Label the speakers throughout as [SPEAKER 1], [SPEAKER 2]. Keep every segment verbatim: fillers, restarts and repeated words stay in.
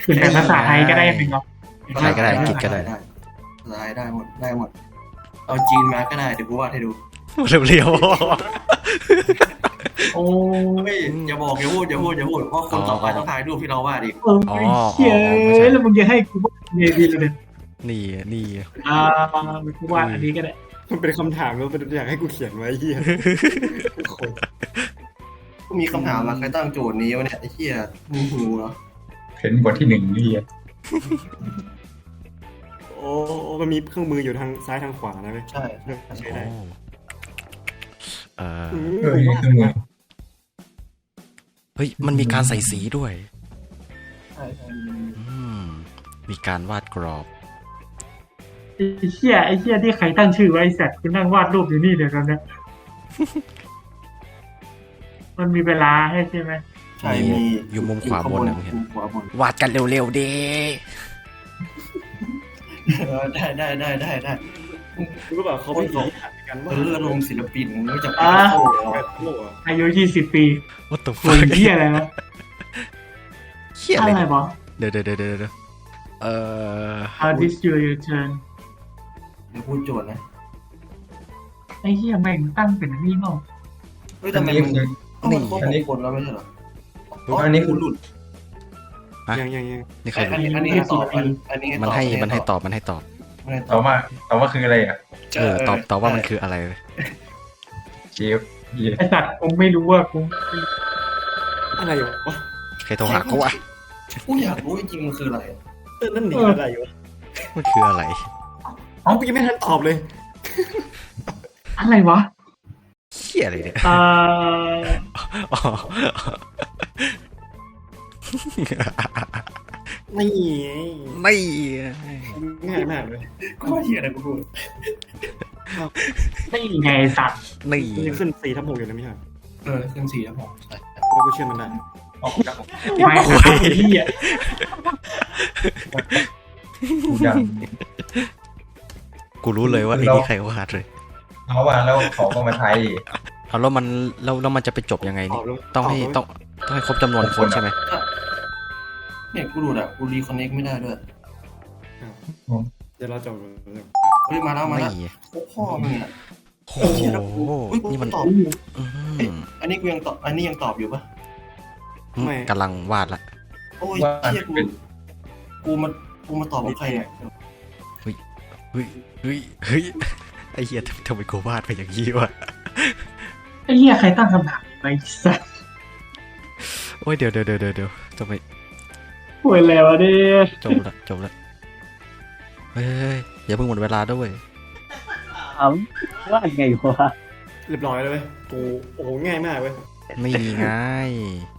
[SPEAKER 1] คือแต่ภาษาไทยก็ได้เป็นเนาะ
[SPEAKER 2] ภาษาไทยก็ได้อังกฤษก็ได้
[SPEAKER 3] ภาษาไทยได้หมดได้หมดเอาจีนมาก็ได้เดี๋ยวกูวาดให้ดู
[SPEAKER 2] เรียว
[SPEAKER 1] โอ้
[SPEAKER 3] เฮ้ยอย่าบอกอย่าพูดอย่าพูดอย่าพูดเพราะคนต่อไปต้องถ่ายรูปที่เราวาดอีก
[SPEAKER 1] เออไม่เชี่ยแล้วมึงจะให้กูวาดยังไงดีเลย
[SPEAKER 2] นี่นี่
[SPEAKER 1] อ่ากูวาดอันนี้ก็ได้
[SPEAKER 4] มันเป็นคำถามแล้วเป็นอยากให้กูเขียนไว้เฮีย
[SPEAKER 3] กูมีคำถามมาใครตั้งโจทย์นี้วะเนี่ยไอ้เหี้ยมึงหูเหรอ
[SPEAKER 5] เห็นบทที่หนึ่งนี่อ่ะ
[SPEAKER 4] โอ้มันมีเครื่องมืออยู่ทางซ้ายทางขวานะเว้ย
[SPEAKER 3] ใช่
[SPEAKER 4] ใช่
[SPEAKER 2] โอ้
[SPEAKER 4] ได้
[SPEAKER 2] เออ
[SPEAKER 5] เออเครื่องมือ
[SPEAKER 2] เฮ้ยมันมีการใส่สีด้วย
[SPEAKER 3] ใช่ใช่
[SPEAKER 2] อืมมีการวาดกรอบ
[SPEAKER 1] ไอ้เชี่ยไอ้เชี่ยที่ใครตั้งชื่อไว้ไอ้สัตว์กูนั่งวาดรูปอยู่นี่เดี๋ยวกันนะมันมีเวลาให้ใช่ไหม
[SPEAKER 3] ใช่มี
[SPEAKER 2] อยู่มุมขวาบนนะมึงเห็น
[SPEAKER 3] มุมขวาบน
[SPEAKER 2] วาดกันเร็วๆดี
[SPEAKER 3] เออได้ได้ได้ได้ได้
[SPEAKER 4] รู้ป่ะเขาเป็นของกัน
[SPEAKER 3] เอ
[SPEAKER 4] ว่า
[SPEAKER 3] ออารมณ์ศิลปินไม่รู้จักปิกัสโซ่เหรอ
[SPEAKER 4] แบบโลกอ่ะ
[SPEAKER 1] อายุยี่สิบปี
[SPEAKER 2] ว่าตัว
[SPEAKER 1] คุ
[SPEAKER 2] ฟั
[SPEAKER 1] ยเชี่ยอะไรนะ
[SPEAKER 2] เขี้ย
[SPEAKER 1] อะ
[SPEAKER 2] อะไร
[SPEAKER 1] ไรบอ
[SPEAKER 2] เดี๋ยวเดี๋ยวเดี๋ยวเดี๋ยวเอ่อ
[SPEAKER 1] How did you return
[SPEAKER 3] เดี๋ยวพูดโจทย์นะ
[SPEAKER 1] ไอ้เหี้ยแม่งตั้งเป็นนี่เนาะ
[SPEAKER 3] เฮ้ยทำไมมันมันครบหกคนแล้วไม่ใช่เหรออ๋ออันนี้คุณหลุด
[SPEAKER 4] ยังยังยัง
[SPEAKER 2] นี่ใคร
[SPEAKER 3] อันนี้อันนี้ให้ตอบอันอันนี้
[SPEAKER 2] มันให้มันให้ตอบมันให้ตอบ
[SPEAKER 3] มันให้ต
[SPEAKER 5] ต
[SPEAKER 3] อ
[SPEAKER 5] อ
[SPEAKER 3] บบ
[SPEAKER 5] ว่าตอบว่าคืออะไรอ่ะ
[SPEAKER 2] เออตอบตอบว่ามันคืออะไร
[SPEAKER 5] เจฟเย่
[SPEAKER 1] ไอ้สัตว์กูไม่รู้ว่ากู
[SPEAKER 4] อะไรวะ
[SPEAKER 2] ใครโทรหากูอ่ะ
[SPEAKER 3] กูอยากรู้จริงๆมันคืออะไร
[SPEAKER 4] เออนั่นหนีอะไรวะ
[SPEAKER 2] มันคืออะไร
[SPEAKER 4] อ๋อกูยังไม่ทันตอบเลย
[SPEAKER 1] อะไรวะ
[SPEAKER 2] เขี้ยอะไรเนี่ย
[SPEAKER 1] อ่า
[SPEAKER 2] อ๋อ
[SPEAKER 4] นี่
[SPEAKER 2] ไม่
[SPEAKER 4] ง่ายมากเลย
[SPEAKER 3] กูว่าเหี้ยอะไรกูพูด
[SPEAKER 1] ไม่ไงไอ้สัตว์
[SPEAKER 2] นี่
[SPEAKER 4] มันยังขึ้นสี่ทับหกอยู่นะไม่ใช่
[SPEAKER 3] เออขึ้นสี่แล้วผมใช่
[SPEAKER 4] แล้วกูเชื่อมันได้
[SPEAKER 5] ออกดัง
[SPEAKER 1] ไม่ครับไอ้เหี้ย
[SPEAKER 5] กูดัง
[SPEAKER 2] กูรู้เลยว่าไอ้นี่ใครวาดเลย
[SPEAKER 5] เขาว่าแล้วเขาก็มาไทย
[SPEAKER 2] เอาแล้วมันแล้วแล้วมันจะไปจบยังไง
[SPEAKER 4] ตอ
[SPEAKER 2] นี่
[SPEAKER 4] บแล้ว
[SPEAKER 2] ต้องให้ต้องต้องให้ครบจำนวนคนใช่ไหม
[SPEAKER 3] เนี่ยกูดูดอ่ะกูรีคอนเน็กไม่ได้ด้วย
[SPEAKER 4] เดี๋ยวเราจบ
[SPEAKER 3] เฮ้ยมาแล้วมาแล้ว
[SPEAKER 2] นี่
[SPEAKER 3] พ่อมึงอ่ะ
[SPEAKER 2] โอ้โห
[SPEAKER 3] เฮ้ยกู
[SPEAKER 2] นี่มัน
[SPEAKER 3] ตอบ
[SPEAKER 2] อื
[SPEAKER 3] เอ้ย
[SPEAKER 2] ม
[SPEAKER 3] อันนี้กูยังตอบอันนี้ยังตอบอยู่ปะ
[SPEAKER 2] กำลังวาดละ
[SPEAKER 3] โอ้ย
[SPEAKER 5] ว่า
[SPEAKER 3] เชี่ยกู
[SPEAKER 5] เป็น
[SPEAKER 3] กูมากูมาตอบกับใครเนี่ย
[SPEAKER 2] เฮ้ยเฮ้ยเฮ้ยไอ้เหี้ยทำทำไมกูวาดไปอย่างนี้วะ
[SPEAKER 1] ไอ้เหี้ยใครตั้งคำถามไอ้สัตว์
[SPEAKER 2] โอ้ยเดี๋ยวเดี๋ยวเดี๋ยวเดี๋ยวทำไม
[SPEAKER 1] ป่วยแล้วะเนี่ย
[SPEAKER 2] จบละจบละเฮ้ยอย่าเพิ่งหมดเวลาด้วย
[SPEAKER 6] ถามว่าไงวะ
[SPEAKER 4] เรียบร้อยแล้วเว้ยกูโอ้โหง่ายมากเว้ย
[SPEAKER 2] ไม่ง่าย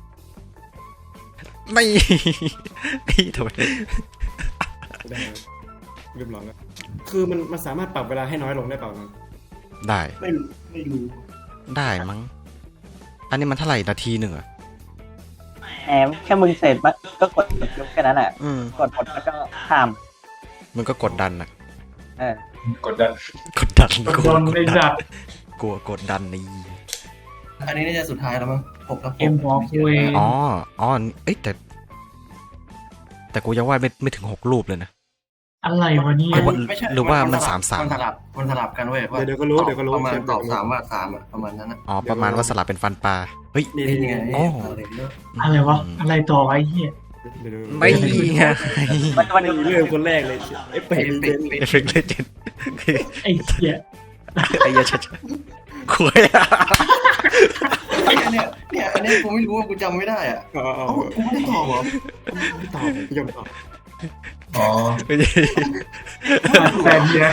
[SPEAKER 2] ไม่ไอ้ทำไม
[SPEAKER 4] ได้เรียบร้อยแล้วคือมันมันสามารถปรับเวลาให้น้อยลงได้เปล่านะ
[SPEAKER 2] ได้
[SPEAKER 3] ไม่รู้ไม่รู้
[SPEAKER 2] ได้มั้งอันนี้มันเท่าไหร่นาทีหนึ่งอะ
[SPEAKER 6] แหมแค่มึงเสร็จมันก็กดยกแค่นั้นแหละ
[SPEAKER 2] อืม
[SPEAKER 6] กดหมดแล้วก็ข้าม
[SPEAKER 2] มันก็กดดันอะ
[SPEAKER 6] เออก
[SPEAKER 5] ดดัน
[SPEAKER 2] กดดัน
[SPEAKER 1] โดนไอ้สัตว์
[SPEAKER 2] กลัวกดดันนี่
[SPEAKER 3] อันนี้น่าจะสุดท้ายแล้วมั้งหกกับหก
[SPEAKER 1] เอ็มบอกกูเอง
[SPEAKER 2] อ๋ออ๋อเอ้ยแต่ แต่กูยังวาดไม่ไม่ถึงหกรูปเลยนะ
[SPEAKER 1] อะไรวะเนี่ย
[SPEAKER 2] หรือว่า
[SPEAKER 3] ไม่ใช่
[SPEAKER 2] หรือว่ามัน
[SPEAKER 3] สลับ
[SPEAKER 2] สามสาม
[SPEAKER 3] มันสลับมันสลับกันเว้ยว่า
[SPEAKER 4] เดี๋ยวเดี๋ยวก็รู้เดี๋ยวก็รู้
[SPEAKER 3] ประมาณตอบสามว่าสามอ่ะประมาณนั้นอ่ะ
[SPEAKER 2] อ๋อประมาณว่าสลับเป็นฟันปลาเฮ้ย
[SPEAKER 4] นี่
[SPEAKER 3] นี่
[SPEAKER 4] นี่
[SPEAKER 3] ไง
[SPEAKER 4] ไง
[SPEAKER 2] อ๋อ
[SPEAKER 3] อะไรเนี่ย
[SPEAKER 1] อะไรวะอะไรต่อวะไอ้เหี้ย
[SPEAKER 4] เดี๋ยว
[SPEAKER 2] ไม่ไง
[SPEAKER 6] มันมัน
[SPEAKER 4] ไม่เริ่มคนแรกเลยไอ้เป็ด
[SPEAKER 3] เป็ดเป็ด
[SPEAKER 2] เอฟเฟกต์เลเจนด์
[SPEAKER 1] ไอ้เหี้ย
[SPEAKER 2] ไอ้เหี้ยชัดคุยอะ
[SPEAKER 3] เนี่ยเนี่ยเนี่ยอันนี้กูไม่รู้ว่ากูจำไม่ได้อ่ะ
[SPEAKER 4] อ๋ออ๋อ
[SPEAKER 3] เอ้ากูไม่ได้ตอบเหรอ
[SPEAKER 4] ไม่ตอบไม่ยอมตอบ
[SPEAKER 5] อ๋อ
[SPEAKER 2] ไม่ใช่
[SPEAKER 1] แต่เหี้ย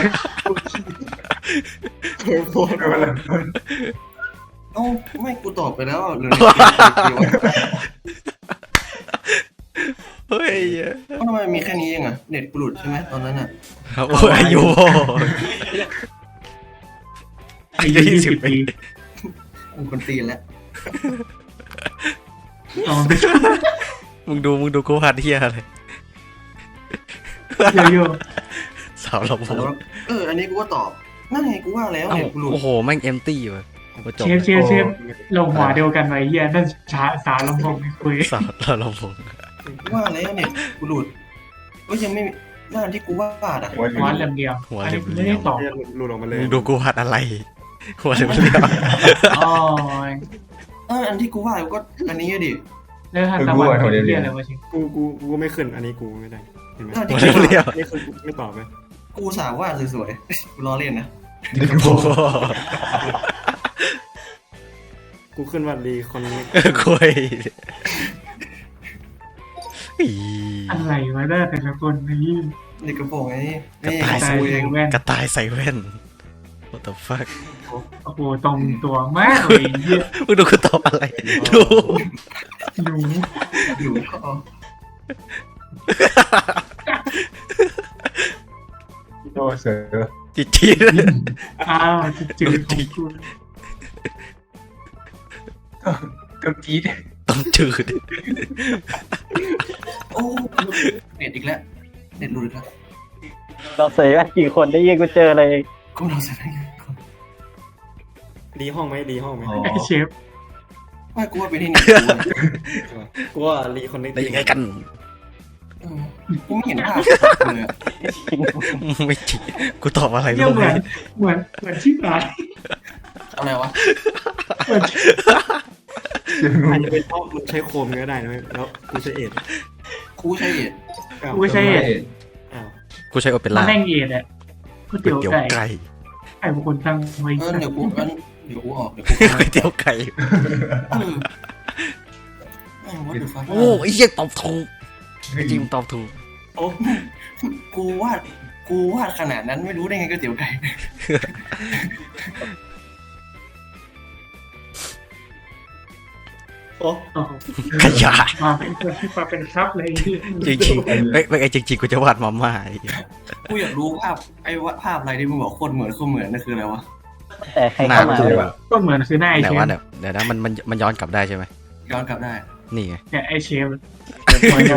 [SPEAKER 4] เฮ้ยโคตร
[SPEAKER 3] เอ้าไม่กูตอบไปแล้วหรือ
[SPEAKER 2] เฮ้ย
[SPEAKER 3] ทำไมมีแค่นี้เองอ่ะเน็ตกูหลุดใช่ไหมตอนนั้นอ่ะ
[SPEAKER 2] ครับโอ้ยอายุอายุยี่สิบปี
[SPEAKER 3] กูคนตีนแล้ว
[SPEAKER 1] อ๋อ
[SPEAKER 2] มึงดูมึงดูกูวาดเฮียอะไร
[SPEAKER 1] เดี๋ยวอยู่
[SPEAKER 2] สาวเราโ
[SPEAKER 3] แล้วเอออันนี้กูก็ตอบนั่นไงกูว่าแล้วเน็ตกูหลุด
[SPEAKER 2] อ้โหแม่งเอมตี้ว่ะจบ
[SPEAKER 1] เชฟเชฟเชฟลงหัวเดียวกันไว้เหี้ยนั่นช้าสาลำพงไม่คุย
[SPEAKER 2] สาวเราเราผม
[SPEAKER 3] ว่าแล้วเนี่ยกูหลุดก็ยังไม่หน้าที่กูวาดอ่ะ
[SPEAKER 5] หัวเหลื
[SPEAKER 1] หัว
[SPEAKER 5] อง
[SPEAKER 1] เหลี่ยมเดียว
[SPEAKER 2] หัว
[SPEAKER 1] อัน
[SPEAKER 2] เหลี่
[SPEAKER 1] นี้
[SPEAKER 2] ยม
[SPEAKER 1] ไม่ได้ตอบ
[SPEAKER 4] เนี่ยหลุดออกมาเลย
[SPEAKER 2] มึงดูกูวาดอะไร หัวเหลี่ยมเหลี่ยม
[SPEAKER 1] อ๋อ
[SPEAKER 3] เอออันที่กูวาดก็อันนี้ดิ
[SPEAKER 1] แล้วทางตะวันเป็นเหี้ยอะไรวะชิง
[SPEAKER 4] กูกูกูไม่ขึ้นอันนี้กูไม่ได้เห็นไหม
[SPEAKER 3] หน้า
[SPEAKER 2] หั
[SPEAKER 3] ที่
[SPEAKER 2] วเหลี่ยม
[SPEAKER 3] กู
[SPEAKER 2] เหลี่ยม
[SPEAKER 4] นี่คือไม่ตอบไหม
[SPEAKER 3] กูสาววาดสวยๆกูล้อเล่นนะ
[SPEAKER 2] โอ้โห
[SPEAKER 4] กูขึ้นว่ารีคอนเนค
[SPEAKER 2] คุยอี
[SPEAKER 1] อะไรวะได้แต่ละคนนี่
[SPEAKER 3] เด็กกระโปรงไอ้นี่นี่
[SPEAKER 1] ตาย
[SPEAKER 3] กูเอง
[SPEAKER 1] แว่น
[SPEAKER 2] กระต่ายใส่แว่น what the fuck
[SPEAKER 1] โอ้โหตรงตัวมากเลยเหี้ย
[SPEAKER 2] มึงดูกูตอบอะไรดู
[SPEAKER 1] หนู
[SPEAKER 3] อยู่ท่อ
[SPEAKER 5] โอ้เสือ
[SPEAKER 2] จิตจีด
[SPEAKER 1] อ้าวจืดๆของกู
[SPEAKER 5] ก็จี๊ด
[SPEAKER 2] ต้องจืด
[SPEAKER 3] โอ้เน็ตอีกแล้วเน็ตหลุดอีกแล้ว
[SPEAKER 6] เราเสียกี่คนได้ยินกูเจอเลย
[SPEAKER 3] กูเราเสร็จแล้ว
[SPEAKER 4] รีห้องไหมรีห้องไหม
[SPEAKER 5] อ๋อ
[SPEAKER 1] ไอเชฟ
[SPEAKER 3] ไม่กูว่าไปที่นี่
[SPEAKER 4] กูว่ารีคอนเนค
[SPEAKER 2] ได้ยังไงกัน
[SPEAKER 3] กูไม่เห็นภาพเลยอะ
[SPEAKER 2] ไม่จริงกูตอบอะไร
[SPEAKER 1] เรีย
[SPEAKER 2] รู้
[SPEAKER 1] ก
[SPEAKER 2] ไห
[SPEAKER 1] เห
[SPEAKER 2] ม
[SPEAKER 1] มือนเหมือนเหมือนชิบหาย
[SPEAKER 3] อะไรวะ
[SPEAKER 1] เหมือน
[SPEAKER 4] อาจจะเป็นเพราะมึงใช้โคมก็ได้นะแล้วกูใช้เอ็ด
[SPEAKER 3] กูใช่เอ็ด
[SPEAKER 4] อ้าว
[SPEAKER 1] กูใช่
[SPEAKER 4] อ้าว
[SPEAKER 2] กูใช้โอเป
[SPEAKER 1] มา
[SPEAKER 2] ร่า
[SPEAKER 1] แม่งเอ็ดอ่ะก๋วย
[SPEAKER 2] ก๋วย
[SPEAKER 1] เตี๋ยว
[SPEAKER 2] เตี๋ยว
[SPEAKER 1] ไก่
[SPEAKER 2] ไก่
[SPEAKER 1] ไก่บางคนตั้งไว้
[SPEAKER 3] เออเดี๋ยวกูงั้นเดี๋ยวกูออกเดี๋ยวกู
[SPEAKER 2] ก๋วยเตี๋ยวไก่
[SPEAKER 3] เออแม่งวัดเดือดฟ้า
[SPEAKER 2] โอ้ไอ้เหี้ยตอบถูกจริงตอบถูก
[SPEAKER 4] โอ้
[SPEAKER 3] กูวาดกูวาดขนาดนั้นไม่รู้ได้ไงก๋วยเตี๋ยวไก่
[SPEAKER 4] โอ้
[SPEAKER 1] โอ้โห
[SPEAKER 2] ขยะ
[SPEAKER 1] มาเป็นมาเป็นครับเลยที่
[SPEAKER 2] จริงๆไม่ไม่ไอ้จริงๆกูจะวาดมาม่าไอ้เหี้ย
[SPEAKER 3] กูอยากรู้ภาพไอ้วาดภาพอะไรที่มึงบอกโคตรเหมือนโคตรเหมือนนั่นคืออะไรวะ
[SPEAKER 6] แต่ใคร
[SPEAKER 2] หน้า
[SPEAKER 6] เข้ามา
[SPEAKER 2] กู
[SPEAKER 5] เลยว่ะ
[SPEAKER 1] ก็เหมือนคือหน้าไอ
[SPEAKER 2] แต่
[SPEAKER 1] เชฟ
[SPEAKER 2] ว่าเดี๋ยวเดี๋ยวนะมันมันมันย้อนกลับได้ใช่ไหม
[SPEAKER 3] ย้อนกลับได้
[SPEAKER 2] นี่ไง
[SPEAKER 1] เนี่ยไอเชฟ
[SPEAKER 6] โอ้โห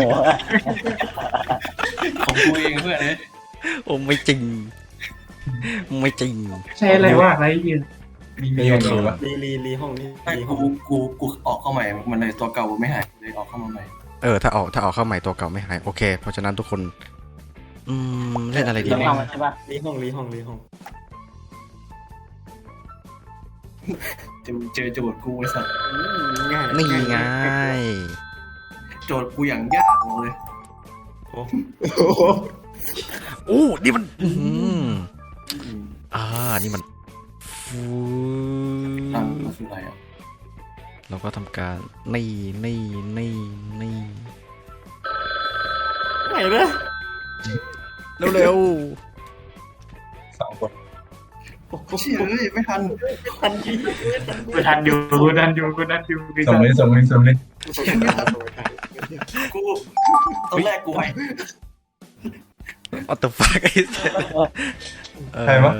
[SPEAKER 3] ของกูเองเพื่อนเลย
[SPEAKER 2] โอ้ไม่จริง ไม่จริง
[SPEAKER 1] ใช่อะไรว่าอะไรยืน
[SPEAKER 5] มีมีอย่างนี้วะ
[SPEAKER 4] รีรีรีห้องนี้
[SPEAKER 3] ไม่
[SPEAKER 4] รีห้
[SPEAKER 3] กู
[SPEAKER 4] อง
[SPEAKER 3] กูกูออกเข้าใหม่มันเลยตัวเก่าไม่หายเลยออกเข้ามาใหม่
[SPEAKER 2] เออถ้าออกถ้าออกเข้าใหม่ตัวเก่าไม่หายโอเค เพราะฉะนั้นทุกคน อืมเล่นอะไรดี
[SPEAKER 6] เดี๋ยว
[SPEAKER 2] ไหม
[SPEAKER 6] เข้ามาใช่ปะ
[SPEAKER 4] รีห้องรีห้องรีห้อง
[SPEAKER 3] เจอเจอโจทย์กูไอ้สัส
[SPEAKER 4] อืมง่าย
[SPEAKER 2] นี่ไง
[SPEAKER 3] โจทย์กูอย่างยากเลย
[SPEAKER 4] โอ้
[SPEAKER 2] โอ้นี่มันอืมอ่านี่มันฟู
[SPEAKER 3] ตั้งก็คืออะไรอ่ะ
[SPEAKER 2] เราก็ทำการนี่นี่นี่นี่
[SPEAKER 4] ไหนนะ
[SPEAKER 2] เร็ว
[SPEAKER 5] สองคน
[SPEAKER 3] เชี่ยเอ้ยไม่ทัน
[SPEAKER 4] ทันที
[SPEAKER 1] กูทันอยู่กูทันอยู่กูทันอยู่กู
[SPEAKER 5] ส่
[SPEAKER 1] ทั
[SPEAKER 5] ง
[SPEAKER 1] น
[SPEAKER 5] เลยส่งเลยส่งเลย
[SPEAKER 3] กูตอนแรกกูไป
[SPEAKER 2] ๆ what the fuck ไอ้เหี้ยเออ
[SPEAKER 5] ใครวะ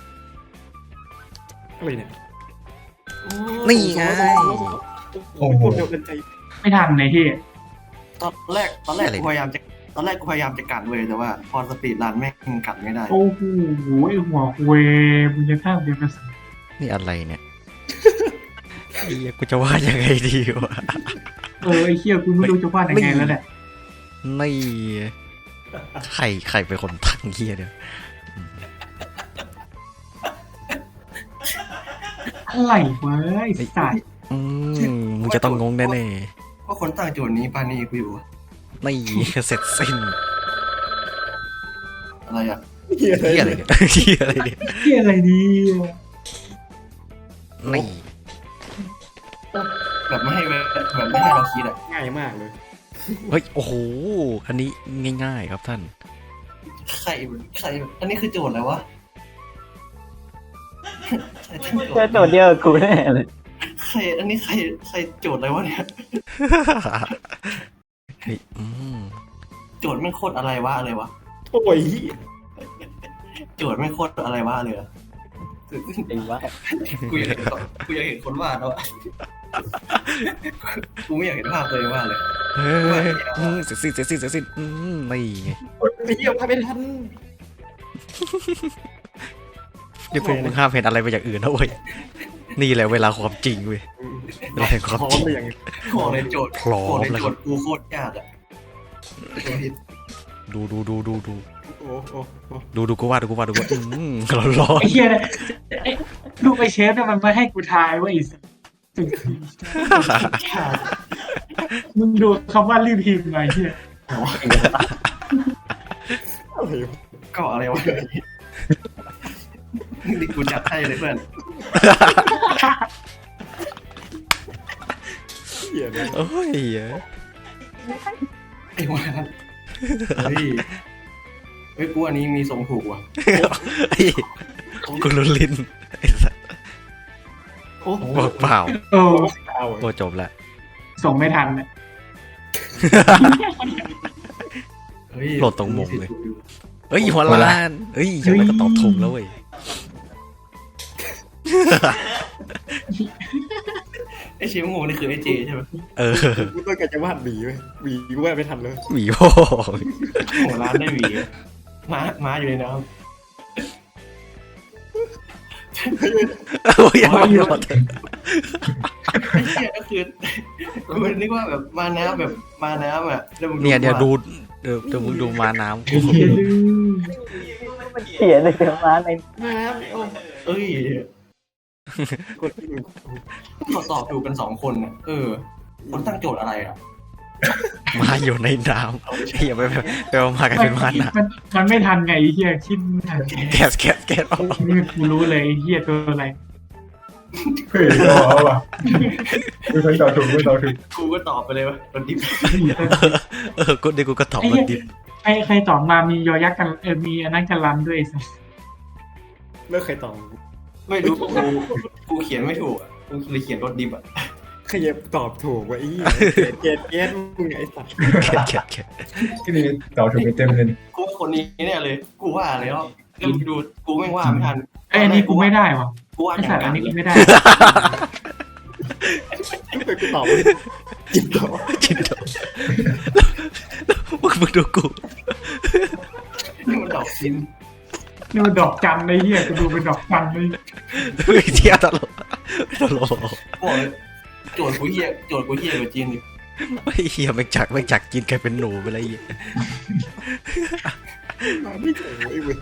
[SPEAKER 4] อะไรเนี่ย
[SPEAKER 2] นี่ไง
[SPEAKER 4] โอ้โหเดียวกันใจ
[SPEAKER 1] ไม่ทันในที่
[SPEAKER 3] ตอนแรกตอนแรกกูพยายามจะตอนแรกกูพยายามจะกัดเลยแต่ว่า พอสปีดรันแม่งกัดไม่ได้
[SPEAKER 1] โอ้โหไอหัวเวมึงจะข้ามเดียวกัน
[SPEAKER 2] นี่อะไรเนี่ยไอ้เหี้ยกูจะวาดยังไงดีวะ
[SPEAKER 1] เออไอเคี้ยกูไม่รู้จะวาดยังไงแล้วแหละ
[SPEAKER 2] นี่ใครใครเป็นคนตั้งเฮียเนี่ย
[SPEAKER 1] อะไรวะไอสัตว์
[SPEAKER 2] อืมมึงจะต้องงงแน่
[SPEAKER 3] เพราะคนตั้งโจทย์นี้ปานีกูอยู่
[SPEAKER 2] ๆนี่เสร็จสิ้น
[SPEAKER 3] อะไรอ่ะ
[SPEAKER 4] เฮีย
[SPEAKER 2] เฮียอะไรเนี่ยเฮียอะไรเนี่ย
[SPEAKER 1] เคี้ยอะไรดี
[SPEAKER 2] นี่
[SPEAKER 3] แบบไม่ให้เวแบบไม่ให้เราคิดอ่ะ
[SPEAKER 4] ง่ายมากเลย
[SPEAKER 2] เฮ้ยโอ้โหอันนี้ง่ายๆครับท่าน
[SPEAKER 3] ใครใครอันนี้คือโจทย์อะไรวะใครตั้งโจ
[SPEAKER 6] เจอ
[SPEAKER 3] ทย์
[SPEAKER 6] โจทย์เดียวกับกูแน่เลย
[SPEAKER 3] ใครอันนี้ใครใครโจทย์อะไรวะเนี่ย
[SPEAKER 2] เฮ้ยอืม
[SPEAKER 3] โจทย์ไม่งโคตรอะไรวะเลยวะ
[SPEAKER 4] โอ้ย
[SPEAKER 3] โจทย์ไม่งโคตรอะไรวะเลยอะ
[SPEAKER 6] จริงวะ
[SPEAKER 3] กูอยากเห็นกูอยากเห็นคนวาดแล้วอะกูไม่อยากเห็นภาพตัวเองวาดเลย
[SPEAKER 2] เฮ้ยอืมเสร็จสิ้นเสร็จสิ้นเสร็จสิ้นอืมนี่ไง
[SPEAKER 4] ไอ้เหี้ยพาไม่ทัน
[SPEAKER 2] เดี๋ยวพวกมึงห้ามเห็นอะไรไปอย่างอื่นนะเว้ยนี่แหละเวลาความจริงเว้ยเวลาแห่งความ
[SPEAKER 4] พร้อ
[SPEAKER 2] จ
[SPEAKER 4] ม
[SPEAKER 2] ริง
[SPEAKER 4] ไปอย่าง
[SPEAKER 3] ขอในโจทย์
[SPEAKER 2] พร้อม
[SPEAKER 3] ขอใน
[SPEAKER 2] แล้ว
[SPEAKER 3] โจทย์กูโคตรยากอะ
[SPEAKER 2] ดูดูดูดูดู
[SPEAKER 4] โอ้โอ้โอ้
[SPEAKER 2] ดูดูกูว่าดูกูว่าดูกูว่าอืมร้อนร้อน
[SPEAKER 1] ไอ้เหี้ยเนี่ยไอ้ลูกไอ้เชฟเนี่ยมันไม่ให้กูทายว่าไอ้สัสมึงดูคำว่ารีบพิมพ์ไงเหี้ย
[SPEAKER 4] อะไรวะ
[SPEAKER 3] ก็อะไรวะนี่กูจัดให้เลยเพื่อน
[SPEAKER 4] เหี้ยนะ
[SPEAKER 2] โอ้ยเหี้ย
[SPEAKER 3] ไอ้วานเฮ้ยเฮ้ยกูอันนี้มีทรงถูกว่ะ
[SPEAKER 2] ไอ้กูรุนลิ้นไอ้สัส
[SPEAKER 3] โอ้โห
[SPEAKER 2] บอกเปล่า
[SPEAKER 1] โอ้
[SPEAKER 4] เอา
[SPEAKER 2] โอ้จบละ
[SPEAKER 1] ส่งไม่ทันเนี่ย
[SPEAKER 3] เฮ้ย
[SPEAKER 2] โหลดตรงมุมเลยเฮ้ยหัวล้านเฮ้ยยังไงก็ตอบถูกแล้วเว้ย
[SPEAKER 3] ไอ้เชฟงงนี่คือไอ้เจใช่ไหม
[SPEAKER 2] เออ
[SPEAKER 4] กูต้องการจะวาดหวีไว้หวีกูวาดไม่ทันเลย
[SPEAKER 2] หวีโ
[SPEAKER 3] หัวร้านได้หวีม้าม้าอยู่ในน้ำ
[SPEAKER 2] อ้ยยังไม่หมด
[SPEAKER 3] ไอ้เชี่ยก็คือกูนึกว่าแบบมาน้ำแบบมาน้ำอ่ะแล้วมึง
[SPEAKER 2] เนี่ยเดี๋ยวดูเดี๋ยวเดี๋ยวมึงดูมาน้ำ
[SPEAKER 1] ไอ้เหี้ยลืม
[SPEAKER 6] มันเขียนเลยมาใน
[SPEAKER 3] น้ำโอ้เอ้ย
[SPEAKER 4] กดที่มึง
[SPEAKER 3] ตรวจสอบดูกันสองคนอ่ะเออมันตั้งโจทย์อะไรอ่ะ
[SPEAKER 2] มาอยู่ในน้ำเฮียไปไปไปเอามากันเป็นมาน้
[SPEAKER 1] มันมันไม่ทันไงไอ้เหี้ยคิดไม่ทัน
[SPEAKER 2] ำแก๊สแก๊สแก๊สออก
[SPEAKER 1] นี่กูรู้เลยไอ้เหี้ยตัวอะไร
[SPEAKER 5] เฮ้ยเอาว่ะไม่เคยตอบถูกไม่ตอบถูก
[SPEAKER 3] กูก็ตอบไปเลยว่ามันดิบ
[SPEAKER 2] เออกูเดี๋ยวกูก็ตอบมันดิบ
[SPEAKER 1] ใครใครตอบมามียอยักษ์กันเออมีอันนั้นกันรันด้วยไอ้สัส
[SPEAKER 4] เลิกใครตอบ
[SPEAKER 3] ไม่รู้กูกูเขียนไม่ถูกอ่ะกูเลยเขียนรถดิบอ่ะ
[SPEAKER 4] ใครจะตอบถูกวะไอ้เหี้ยเกตเกตมึงไอ้สัตว์
[SPEAKER 2] แก๊สแก๊สแก๊ส
[SPEAKER 5] ที่นี่ตอบถูกไปเต็มเลย
[SPEAKER 3] กูว่าคนนี้เนี่ยเลย กูว่าแล้วแล้วมึงดูกูไม่ว่าไม่ทัน
[SPEAKER 1] ไอ้ยอันนี้กูไม่ได้ว่ะ
[SPEAKER 3] กูว่า
[SPEAKER 1] ไอ้
[SPEAKER 3] อ
[SPEAKER 1] สั
[SPEAKER 3] ย่า
[SPEAKER 1] ส
[SPEAKER 3] ง
[SPEAKER 1] อั
[SPEAKER 3] นั้น น
[SPEAKER 1] นี้กูไม่ได้
[SPEAKER 4] กูตอบไม่ได้จิตตอบ
[SPEAKER 2] จินโตมึงมึงดูกู
[SPEAKER 3] นี่มันดอกซิน
[SPEAKER 1] นี่มันดอกจันไอ้เหี้ยกูดูเป็นดอกจันเลย
[SPEAKER 2] เฮ้ยเที่ยตลกตลก
[SPEAKER 3] กูบอกเลยโจทย์กูเฮียโจทย์กูเฮียกว่าจีนดิ
[SPEAKER 2] ไอ้เฮียไม่จักไม่จักกินกลายเป็นหนูไปเลยไอ้เหี้ย
[SPEAKER 4] มาไม่ถูกไอ้เว้ย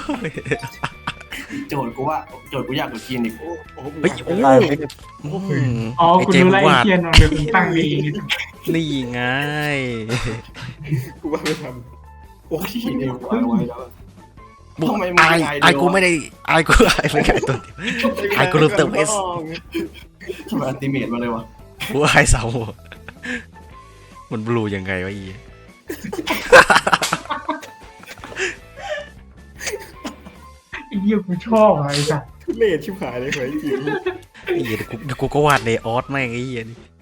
[SPEAKER 3] โจทย์กูว่าโจทย์กูยากกว่าจีนอีก
[SPEAKER 4] โอ้โห
[SPEAKER 2] เฮ้ยโอ้
[SPEAKER 6] ตายไม่ได้
[SPEAKER 2] อืม
[SPEAKER 1] อ๋อ
[SPEAKER 2] ไอ้
[SPEAKER 1] กู
[SPEAKER 2] เจม
[SPEAKER 1] รู้แล้ว
[SPEAKER 2] ส์
[SPEAKER 1] ไอ้
[SPEAKER 2] วาด
[SPEAKER 1] เหี้ยนอนเดี๋ยวกูตั้งเอง
[SPEAKER 2] นี่ไง
[SPEAKER 4] กูว่าไม่ทัน
[SPEAKER 3] โอ้ยเดี๋ยวกูเอาไว้แล้ว
[SPEAKER 2] บุก
[SPEAKER 3] ทำไมมึง
[SPEAKER 2] ไอ
[SPEAKER 3] ไม่ได้
[SPEAKER 2] ไอ
[SPEAKER 3] ด้วยวะ
[SPEAKER 2] กูไม่ได้ไอกูไอไม่ได้ตัวเดียว ไอ้กูลืมเติม S
[SPEAKER 3] ทำไมอัลติเมทมาเลยวะ
[SPEAKER 2] กูไอเสามันบลูยังไงวะอี
[SPEAKER 1] ไอ้เหี้ยกูชอบอะไอ้สัส
[SPEAKER 4] เล่ชิบหายเลยเหรอไอ้จี
[SPEAKER 2] ไอ้เหี้ยเดี๋ยวกูเดี๋ยวกูก็วาดในออสแม่งไอ้เหี้ยนี่